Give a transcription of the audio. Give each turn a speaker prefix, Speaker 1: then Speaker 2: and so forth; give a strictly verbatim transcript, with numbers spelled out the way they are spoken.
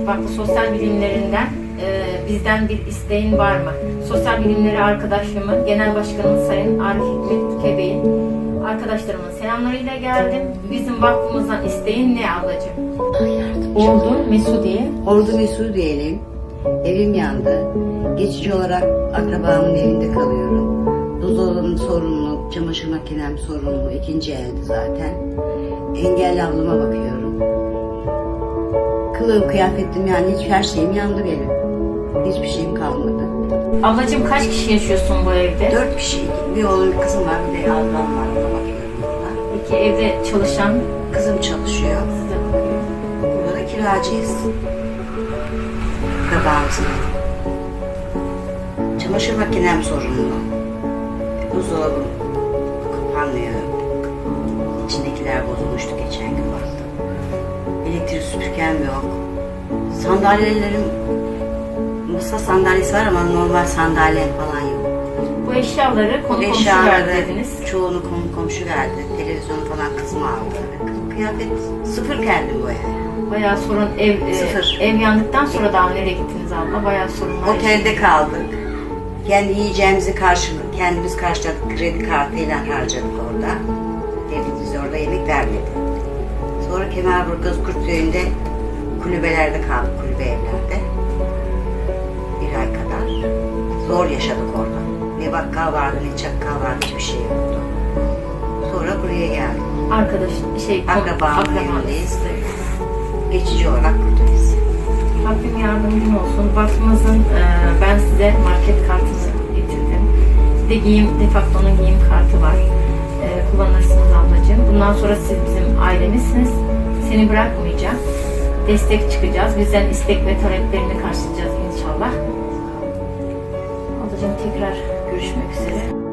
Speaker 1: Vakfı Sosyal Bilimlerinden e, bizden bir isteğin var mı? Sosyal Bilimleri arkadaşımın, Genel Başkanımız Sayın Arif Hikmet Kebey'in arkadaşlarımın selamlarıyla geldim. Bizim vakfımızdan isteğin ne ablacığım? Ordu Mesudiye.
Speaker 2: Ordu Mesudiye'liyim. Evim yandı. Geçici olarak akrabamın evinde kalıyorum. Buzdolabım sorunlu, çamaşır makinem sorunlu. İkinci elde zaten. Engelli ablama bakıyorum. Kılığım, kıyafetim yani hiç her şeyim yandı benim. Hiçbir şeyim kalmadı.
Speaker 1: Ablacığım kaç kişi yaşıyorsun bu evde?
Speaker 2: Dört kişi. Bir oğlum, bir kızım var, bir de ablam var. Ona bakıyorum burada.
Speaker 1: Peki evde çalışan
Speaker 2: Kızım çalışıyor.
Speaker 1: size bakıyor.
Speaker 2: Burada da kiracıyız. Akrabamızın. Çamaşır makinem sorunlu. Buzdolabım kapanmıyor. İçindekiler bozulmuştu geçen gün baktım. Elektrik süpürgem yok. Sandalyelerim, masa sandalyesi var ama normal sandalye falan yok.
Speaker 1: Bu eşyaları konu komşu
Speaker 2: Eşyaları
Speaker 1: verdi dediniz.
Speaker 2: çoğunu konu komşu verdi. Televizyonu falan kızım aldı. Kıyafet sıfır kendim bu eve.
Speaker 1: Bayağı sorun ev e,
Speaker 2: Sıfır.
Speaker 1: ev yandıktan sonra daha nereye gittiniz abla? Bayağı sorunlar.
Speaker 2: Otelde kaldık. Kendi yiyeceğimizi karşıladık. Kendimiz karşıladık. Kredi kartıyla harcadık orada. Devlet bize orada yemek vermedi. Sonra Kemerburgaz Kurtköy'ünde kulübelerde kaldık. Kulübe evlerde. Bir ay kadar. Zor yaşadık orada. Ne bakkal vardı ne çakkal vardı. Hiçbir şey yoktu. Sonra buraya geldik.
Speaker 1: Arkadaş şey
Speaker 2: Akrabamın evindeyiz. Geçici olarak buradayız.
Speaker 1: Rabbim yardımcın olsun. Vakfımızın e, ben size market kartını getirdim. Bir de giyim, Defakto'nun giyim kartı var. E, kullanırsınız ablacığım. Bundan sonra siz bizim ailemizsiniz. Seni bırakmayacağım. Destek çıkacağız. Bizden istek ve taleplerini karşılayacağız inşallah. Ablacığım tekrar görüşmek üzere.